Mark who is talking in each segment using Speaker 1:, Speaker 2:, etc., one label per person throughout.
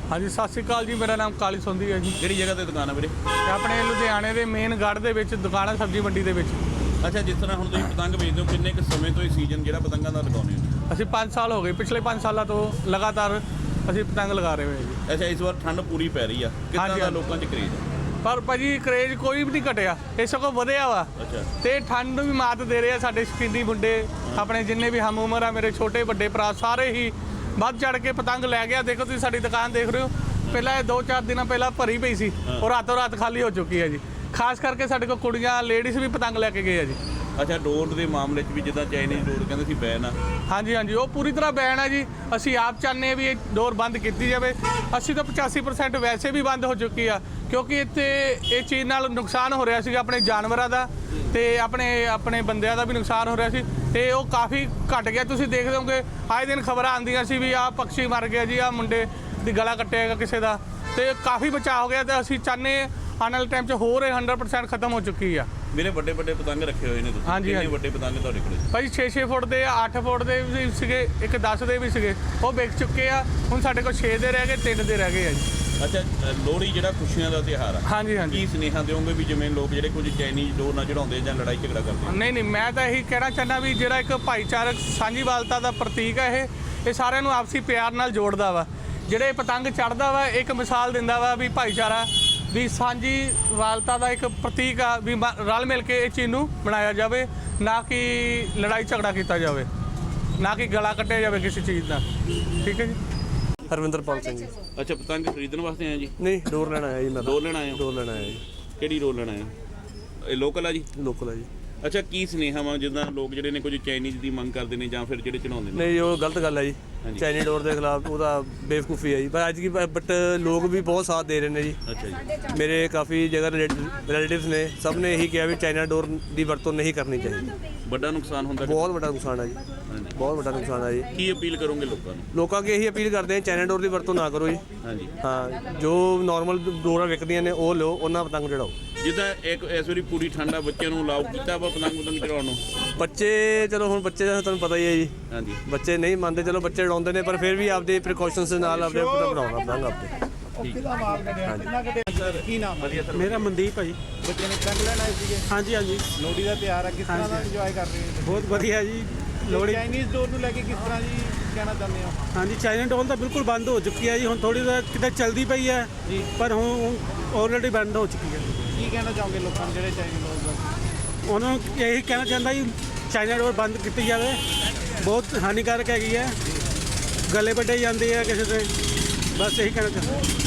Speaker 1: हाँ जी, सत श्री अकाल जी। मेरा नाम काली सोंधी है जी।
Speaker 2: ਕਿਹੜੀ ਜਗ੍ਹਾ ਤੇ ਦੁਕਾਨ ਹੈ ਵੀਰੇ?
Speaker 1: ਆਪਣੇ ਲੁਧਿਆਣੇ ਦੇ ਮੇਨ ਗੜ੍ਹ ਦੇ ਵਿੱਚ ਦੁਕਾਨ ਹੈ, ਸਬਜ਼ੀ ਮੰਡੀ ਦੇ ਵਿੱਚ।
Speaker 2: ਅੱਛਾ, ਜਿਸ ਤਰ੍ਹਾਂ ਹੁਣ ਤੁਸੀਂ ਪਤੰਗ ਵੇਚਦੇ ਹੋ, ਕਿੰਨੇ ਕੁ ਸਮੇਂ ਤੋਂ ਇਹ ਸੀਜ਼ਨ ਜਿਹੜਾ ਪਤੰਗਾਂ ਦਾ ਲਗਾਉਂਦੇ ਹੋ?
Speaker 1: ਅਸੀਂ 5 ਸਾਲ ਹੋ ਗਏ, ਪਿਛਲੇ 5 ਸਾਲਾਂ ਤੋਂ ਲਗਾਤਾਰ ਅਸੀਂ ਪਤੰਗ ਲਗਾ ਰਹੇ ਹੋਏ ਜੀ।
Speaker 2: ਅੱਛਾ, ਇਸ ਵਾਰ ਠੰਡ ਪੂਰੀ ਪੈ ਰਹੀ ਆ, ਕਿੰਨਾ ਦਾ ਲੋਕਾਂ 'ਚ ਕਰੇਜ਼ ਹੈ?
Speaker 1: ਪਰ ਭਾਜੀ ਕਰੇਜ਼ ਕੋਈ ਵੀ ਨਹੀਂ ਘਟਿਆ, ਇਹ ਸਗੋਂ ਵਧਿਆ ਵਾ।
Speaker 2: ਅੱਛਾ,
Speaker 1: ਤੇ ਠੰਡ ਨੂੰ ਵੀ ਮਾਤ ਦੇ ਰਹੇ ਆ ਸਾਡੇ ਸ਼ੌਕੀਨੀ ਮੁੰਡੇ, ਆਪਣੇ ਜਿੰਨੇ ਵੀ ਹਮ ਉਮਰ ਆ, ਮੇਰੇ ਛੋਟੇ ਵੱਡੇ ਭਰਾ ਸਾਰੇ ਹੀ ਵੱਧ ਚੜ ਕੇ ਪਤੰਗ ਲੈ ਗਿਆ। ਦੇਖੋ ਤੁਸੀਂ ਸਾਡੀ ਦੁਕਾਨ ਦੇਖ ਰਹੇ ਹੋ, ਪਹਿਲਾਂ ਇਹ 2-4 ਦਿਨਾਂ ਪਹਿਲਾਂ ਭਰੀ ਪਈ ਸੀ ਔਰ ਰਾਤੋਂ ਰਾਤ ਖਾਲੀ ਹੋ ਚੁੱਕੀ ਹੈ ਜੀ। ਖਾਸ ਕਰਕੇ ਸਾਡੇ ਕੋਲ ਕੁੜੀਆਂ ਲੇਡੀਜ਼ ਵੀ ਪਤੰਗ ਲੈ ਕੇ ਗਏ ਆ ਜੀ।
Speaker 2: ਅੱਛਾ, ਡੋਰ ਦੇ ਮਾਮਲੇ 'ਚ ਵੀ ਜਿੱਦਾਂ ਚਾਈਨੀਜ਼ ਡੋਰ ਕਹਿੰਦੇ ਸੀ ਬੈਨ ਆ।
Speaker 1: ਹਾਂਜੀ ਹਾਂਜੀ, ਉਹ ਪੂਰੀ ਤਰ੍ਹਾਂ ਬੈਨ ਹੈ ਜੀ। ਅਸੀਂ ਆਪ ਚਾਹੁੰਦੇ ਹਾਂ ਵੀ ਇਹ ਡੋਰ ਬੰਦ ਕੀਤੀ ਜਾਵੇ। ਅਸੀਂ ਤਾਂ 85% ਵੈਸੇ ਵੀ ਬੰਦ ਹੋ ਚੁੱਕੀ ਆ, ਕਿਉਂਕਿ ਇੱਥੇ ਇਹ ਚੀਜ਼ ਨਾਲ ਨੁਕਸਾਨ ਹੋ ਰਿਹਾ ਸੀਗਾ ਆਪਣੇ ਜਾਨਵਰਾਂ ਦਾ ਤੇ ਆਪਣੇ ਬੰਦਿਆਂ ਦਾ ਵੀ ਨੁਕਸਾਨ ਹੋ ਰਿਹਾ ਸੀ, ਤੇ ਉਹ ਕਾਫੀ ਘਟ ਗਿਆ। ਤੁਸੀਂ ਦੇਖਦੇ ਹੋਗੇ ਆਏ ਦਿਨ ਖਬਰਾਂ ਆਉਂਦੀਆਂ ਸੀ ਵੀ ਆਹ ਪੰਛੀ ਮਰ ਗਿਆ ਜੀ, ਆਹ ਮੁੰਡੇ ਦੀ ਗਲਾ ਕੱਟਿਆ ਕਿਸੇ ਦਾ, ਤੇ ਕਾਫੀ ਬਚਾਅ ਹੋ ਗਿਆ। ਤੇ ਅਸੀਂ ਚਾਹੁੰਦੇ ਆਉਣ ਵਾਲੇ ਟਾਈਮ 'ਚ ਹੋਰ ਇਹ 100% ਖਤਮ ਹੋ ਚੁੱਕੀ ਆ।
Speaker 2: ਮੇਰੇ ਵੱਡੇ ਪਤੰਗ ਰੱਖੇ ਹੋਏ ਨੇ ਤੁਸੀਂ?
Speaker 1: ਹਾਂਜੀ,
Speaker 2: ਕਿੰਨੇ ਵੱਡੇ ਪਤੰਗ ਤੁਹਾਡੇ ਕੋਲ?
Speaker 1: ਭਾਈ 6-6 ਫੁੱਟ ਦੇ, 8 ਫੁੱਟ ਦੇ ਵੀ ਸੀਗੇ, ਇੱਕ 10 ਦੇ ਵੀ ਸੀਗੇ, ਉਹ ਵਿਕ ਚੁੱਕੇ ਆ। ਹੁਣ ਸਾਡੇ ਕੋਲ 6 ਦੇ ਰਹਿ ਗਏ, 3 ਦੇ ਰਹਿ ਗਏ ਆ ਜੀ।
Speaker 2: ਅੱਛਾ, ਲੋਹੜੀ ਜਿਹੜਾ ਖੁਸ਼ੀਆਂ ਦਾ ਤਿਉਹਾਰ ਆ,
Speaker 1: ਹਾਂਜੀ ਹਾਂਜੀ।
Speaker 2: ਕੀ ਸੁਨੇਹਾ ਦਿਓਗੇ ਵੀ ਜਿਵੇਂ ਲੋਕ ਜਿਹੜੇ ਕੁਝ ਚਾਈਨੀਜ਼ ਡੋਰ ਨਾਲ ਚੜਾਉਂਦੇ ਜਾਂ ਲੜਾਈ ਝਗੜਾ ਕਰਦੇ?
Speaker 1: ਨਹੀਂ, ਮੈਂ ਤਾਂ ਇਹੀ ਕਹਿਣਾ ਚਾਹੁੰਦਾ ਵੀ ਜਿਹੜਾ ਇੱਕ ਭਾਈਚਾਰਕ ਸਾਂਝੀਵਾਲਤਾ ਦਾ ਪ੍ਰਤੀਕ ਹੈ, ਇਹ ਸਾਰਿਆਂ ਨੂੰ ਆਪਸੀ ਪਿਆਰ ਨਾਲ ਜੋੜਦਾ ਵਾ। ਜਿਹੜੇ ਪਤੰਗ ਚੜ੍ਹਦਾ ਵਾ, ਇੱਕ ਮਿਸਾਲ ਦਿੰਦਾ ਵਾ ਵੀ ਭਾਈਚਾਰਾ, ਵੀ ਸਾਂਝੀਵਾਲਤਾ ਦਾ ਇੱਕ ਪ੍ਰਤੀਕ ਆ, ਵੀ ਰਲ ਮਿਲ ਕੇ ਇਹ ਚੀਜ਼ ਨੂੰ ਮਨਾਇਆ ਜਾਵੇ, ਨਾ ਕਿ ਲੜਾਈ ਝਗੜਾ ਕੀਤਾ ਜਾਵੇ, ਨਾ ਕਿ ਗਲਾ ਕੱਟਿਆ ਜਾਵੇ ਕਿਸੇ ਚੀਜ਼ ਦਾ। ਠੀਕ ਹੈ ਜੀ।
Speaker 3: ਹਰਵਿੰਦਰਪਾਲ ਸਿੰਘ ਜੀ।
Speaker 2: ਅੱਛਾ, ਪਤੰਗ ਖਰੀਦਣ ਵਾਸਤੇ ਆਏ ਜੀ?
Speaker 3: ਨਹੀਂ, ਡੋਰ ਲੈਣ ਆਇਆ ਜੀ ਮੈਂ।
Speaker 2: ਡੋਰ ਲੈਣ ਆਏ ਹੋ?
Speaker 3: ਡੋਰ ਲੈਣ ਆਇਆ ਜੀ।
Speaker 2: ਕਿਹੜੀ ਡੋਰ ਲੈਣ ਆਏ ਹੋ? ਇਹ ਲੋਕਲ ਆ ਜੀ?
Speaker 3: ਲੋਕਲ ਆ ਜੀ।
Speaker 2: ਅੱਛਾ, ਕੀ ਸੁਨੇਹਾ ਵਾ ਜਿੱਦਾਂ ਲੋਕ ਜਿਹੜੇ ਨੇ ਕੁਝ ਚਾਈਨੀਜ਼ ਦੀ ਮੰਗ ਕਰਦੇ ਨੇ ਜਾਂ ਫਿਰ ਜਿਹੜੇ ਚੜਾਉਂਦੇ ਨੇ?
Speaker 3: ਨਹੀਂ, ਉਹ ਗਲਤ ਗੱਲ ਹੈ ਜੀ। ਚਾਈਨੀ ਡੋਰ ਦੇ ਖਿਲਾਫ ਉਹਦਾ ਬੇਵਕੂਫੀ ਹੈ ਜੀ। ਪਰ ਅੱਜ ਕੀ ਬਟ ਲੋਕ ਵੀ ਬਹੁਤ ਸਾਥ ਦੇ ਰਹੇ ਨੇ ਜੀ।
Speaker 2: ਅੱਛਾ ਜੀ।
Speaker 3: ਮੇਰੇ ਕਾਫੀ ਜਗ੍ਹਾ ਰਿਲੇਟਿਵਸ ਨੇ, ਸਭ ਨੇ ਇਹੀ ਕਿਹਾ ਵੀ ਚਾਈਨਾ ਡੋਰ ਦੀ ਵਰਤੋਂ ਨਹੀਂ ਕਰਨੀ ਚਾਹੀਦੀ।
Speaker 2: ਵੱਡਾ ਨੁਕਸਾਨ ਹੁੰਦਾ?
Speaker 3: ਬਹੁਤ ਵੱਡਾ ਨੁਕਸਾਨ ਹੈ ਜੀ, ਬਹੁਤ ਵੱਡਾ ਨੁਕਸਾਨ ਹੈ ਜੀ।
Speaker 2: ਕੀ ਅਪੀਲ ਕਰੋਗੇ ਲੋਕਾਂ ਨੂੰ?
Speaker 3: ਲੋਕਾਂ ਅੱਗੇ ਇਹੀ ਅਪੀਲ ਕਰਦੇ ਆ, ਚਾਈਨਾ ਡੋਰ ਦੀ ਵਰਤੋਂ ਨਾ ਕਰੋ ਜੀ।
Speaker 2: ਹਾਂਜੀ
Speaker 3: ਹਾਂ, ਜੋ ਨਾਰਮਲ ਡੋਰਾਂ ਵਿਕਦੀਆਂ ਨੇ ਉਹ ਲਓ, ਉਹਨਾਂ ਪਤੰਗ ਚੜਾਓ।
Speaker 2: ਜਿੱਦਾਂ ਇੱਕ ਇਸ ਵਾਰੀ ਪੂਰੀ ਠੰਡ ਆ, ਬੱਚਿਆਂ ਨੂੰ ਅਲਾਉ ਕੀਤਾ ਵਾ ਪਤੰਗ ਚੜਾਉਣ ਨੂੰ?
Speaker 3: ਬੱਚੇ, ਚਲੋ ਹੁਣ ਬੱਚੇ ਦਾ ਤੁਹਾਨੂੰ ਪਤਾ ਹੀ ਹੈ ਜੀ।
Speaker 2: ਹਾਂਜੀ,
Speaker 3: ਬੱਚੇ ਨਹੀਂ ਮੰਨਦੇ, ਚਲੋ ਬੱਚੇ ਉਡਾਉਂਦੇ ਨੇ, ਪਰ ਫਿਰ ਵੀ ਆਪਦੇ ਪ੍ਰੀਕਾਸ਼ਨਸ ਦੇ ਨਾਲ ਆਪਦੇ ਬਣਾਉਣਾ ਪਤੰਗ ਆਪਦੇ।
Speaker 4: ਕੀ ਨਾਮ?
Speaker 2: ਵਧੀਆ ਸਰ।
Speaker 5: ਮੇਰਾ ਮਨਦੀਪ ਹੈ ਜੀ।
Speaker 4: ਬੱਚੇ ਨੇ ਪਤੰਗ ਲੈਣ ਆਏ ਸੀਗੇ?
Speaker 5: ਹਾਂਜੀ ਹਾਂਜੀ,
Speaker 4: ਲੋਹੜੀ ਦਾ ਤਿਉਹਾਰ ਆ, ਕਿਸ ਤਰ੍ਹਾਂ ਦਾ ਇੰਜੋਏ ਕਰ ਰਹੇ ਹੋ?
Speaker 5: ਬਹੁਤ ਵਧੀਆ ਜੀ। ਲੋਹੜੀ,
Speaker 4: ਚਾਈਨੀਜ਼ ਡੋਰ ਨੂੰ ਲੈ ਕੇ ਕਿਸ ਤਰ੍ਹਾਂ ਜੀ ਕਹਿਣਾ ਚਾਹੁੰਦੇ ਹੋ?
Speaker 5: ਹਾਂਜੀ, ਚਾਈਨਾ ਡੋਰ ਤਾਂ ਬਿਲਕੁਲ ਬੰਦ ਹੋ ਚੁੱਕੀ ਹੈ ਜੀ। ਹੁਣ ਥੋੜੀ ਜਿਹੀ ਕਿਤੇ ਚੱਲਦੀ ਪਈ ਹੈ
Speaker 4: ਜੀ,
Speaker 5: ਪਰ ਹੁਣ ਆਲਰੇਡੀ ਬੰਦ ਹੋ ਚੁੱਕੀ ਹੈ।
Speaker 4: ਕੀ ਕਹਿਣਾ ਚਾਹੋਗੇ ਲੋਕਾਂ ਨੂੰ ਜਿਹੜੇ ਚਾਈਨੀਜ਼ ਡੋਰ?
Speaker 5: ਉਹਨਾਂ ਨੂੰ ਇਹੀ ਕਹਿਣਾ ਚਾਹੁੰਦਾ ਜੀ, ਚਾਈਨਾ ਡੋਰ ਬੰਦ ਕੀਤੀ ਜਾਵੇ। ਬਹੁਤ ਹਾਨੀਕਾਰਕ ਹੈਗੀ ਹੈ, ਗਲੇ ਵੱਢੇ ਜਾਂਦੇ ਆ ਕਿਸੇ ਦੇ। ਬਸ ਇਹੀ ਕਹਿਣਾ ਚਾਹੁੰਦਾ।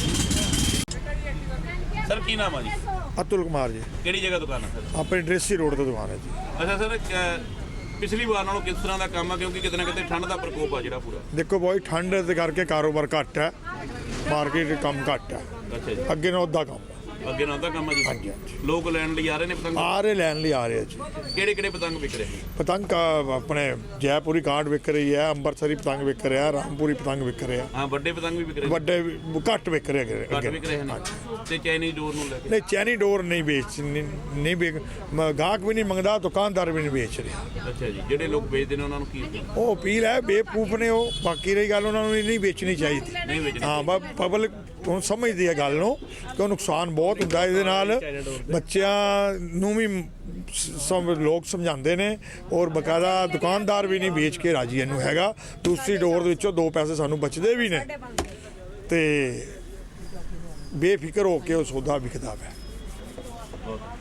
Speaker 2: ਸਰ ਕੀ ਨਾਮ ਆ ਜੀ?
Speaker 6: ਅਤੁਲ ਕੁਮਾਰ ਜੀ।
Speaker 2: ਕਿਹੜੀ ਜਗ੍ਹਾ ਦੁਕਾਨ ਆ ਸਰ?
Speaker 6: ਆਪਣੇ ਡਰੇਸੀ ਰੋਡ ਤੇ ਦੁਕਾਨ ਹੈ ਜੀ।
Speaker 2: ਅੱਛਾ ਸਰ, ਪਿਛਲੀ ਵਾਰ ਨਾਲੋਂ ਕਿਸ ਤਰ੍ਹਾਂ ਦਾ ਕੰਮ ਆ, ਕਿਉਂਕਿ ਕਿਤੇ ਨਾ ਕਿਤੇ ਠੰਡ ਦਾ ਪ੍ਰਕੋਪ ਆ ਜਿਹੜਾ ਪੂਰਾ?
Speaker 6: ਦੇਖੋ ਬਹੁਤ ਠੰਡ ਦੇ ਕਰਕੇ ਕਾਰੋਬਾਰ ਘੱਟ ਹੈ, ਮਾਰਕੀਟ ਕੰਮ ਘੱਟ ਹੈ।
Speaker 2: ਅੱਛਾ ਜੀ।
Speaker 6: ਅੱਗੇ ਨਾਲ ਉੱਦਾਂ ਕੰਮ ਹੈ।
Speaker 2: ਅੱਗੇ ਨਾਲ ਦਾ ਕੰਮ ਆ ਜੀ?
Speaker 6: ਹਾਂਜੀ ਹਾਂਜੀ,
Speaker 2: ਲੋਕ ਲੈਣ ਲਈ ਆ ਰਹੇ ਨੇ ਪਤੰਗ?
Speaker 6: ਆ ਰਹੇ ਲੈਣ ਲਈ ਆ ਰਹੇ ਜੀ।
Speaker 2: ਕਿਹੜੇ ਪਤੰਗ ਵਿਕ ਰਹੇ?
Speaker 6: ਪਤੰਗ ਆਪਣੇ ਜੈਪੁਰੀ ਕਾਰਡ ਵਿਕ ਰਹੀ ਹੈ, ਅੰਮ੍ਰਿਤਸਰੀ ਪਤੰਗ ਵਿਕ ਰਿਹਾ, ਰਾਮਪੁਰੀ ਪਤੰਗ ਵਿਕ ਰਿਹਾ।
Speaker 2: ਹਾਂ, ਵੱਡੇ ਪਤੰਗ ਵੀ ਵਿਕ ਰਹੇ?
Speaker 6: ਵੱਡੇ ਘੱਟ ਵਿਕ ਰਹੇ
Speaker 2: ਘੱਟ ਵਿਕ ਰਹੇ ਨੇ। ਤੇ ਚਾਈਨੀਜ਼ ਡੋਰ ਨੂੰ ਲੈ ਕੇ?
Speaker 6: ਨਹੀਂ, ਚੈਨੀ ਡੋਰ ਨਹੀਂ ਨਹੀਂ ਗਾਹਕ ਵੀ ਨਹੀਂ ਮੰਗਦਾ, ਦੁਕਾਨਦਾਰ ਵੀ ਨਹੀਂ ਵੇਚ ਰਿਹਾ।
Speaker 2: ਅੱਛਾ ਜੀ। ਜਿਹੜੇ ਲੋਕ ਵੇਚਦੇ ਨੇ ਉਹਨਾਂ ਨੂੰ ਕੀ?
Speaker 6: ਉਹ ਅਪੀਲ ਹੈ, ਬੇਵਕੂਫ ਨੇ ਉਹ। ਬਾਕੀ ਰਹੀ ਗੱਲ, ਉਹਨਾਂ ਨੂੰ ਨਹੀਂ ਵੇਚਣੀ ਚਾਹੀਦੀ।
Speaker 2: ਨਹੀਂ ਵੇਚਣੀ?
Speaker 6: ਹਾਂ, ਬਸ ਪਬਲਿਕ ਹੁਣ ਸਮਝਦੀ ਹੈ ਗੱਲ ਨੂੰ ਕਿ ਉਹ ਨੁਕਸਾਨ ਬਹੁਤ ਹੁੰਦਾ ਇਹਦੇ ਨਾਲ। ਬੱਚਿਆਂ ਨੂੰ ਵੀ ਸਭ ਲੋਕ ਸਮਝਾਉਂਦੇ ਨੇ, ਔਰ ਬਕਾਇਦਾ ਦੁਕਾਨਦਾਰ ਵੀ ਨਹੀਂ ਵੇਚ ਕੇ ਰਾਜੀ ਇਹਨੂੰ ਹੈਗਾ। ਦੂਸਰੀ ਡੋਰ ਦੇ ਵਿੱਚੋਂ 2 ਪੈਸੇ ਸਾਨੂੰ ਬਚਦੇ ਵੀ ਨੇ, ਤੇ ਬੇਫਿਕਰ ਹੋ ਕੇ ਉਹ ਸੌਦਾ ਵਿਕਦਾ ਹੈ।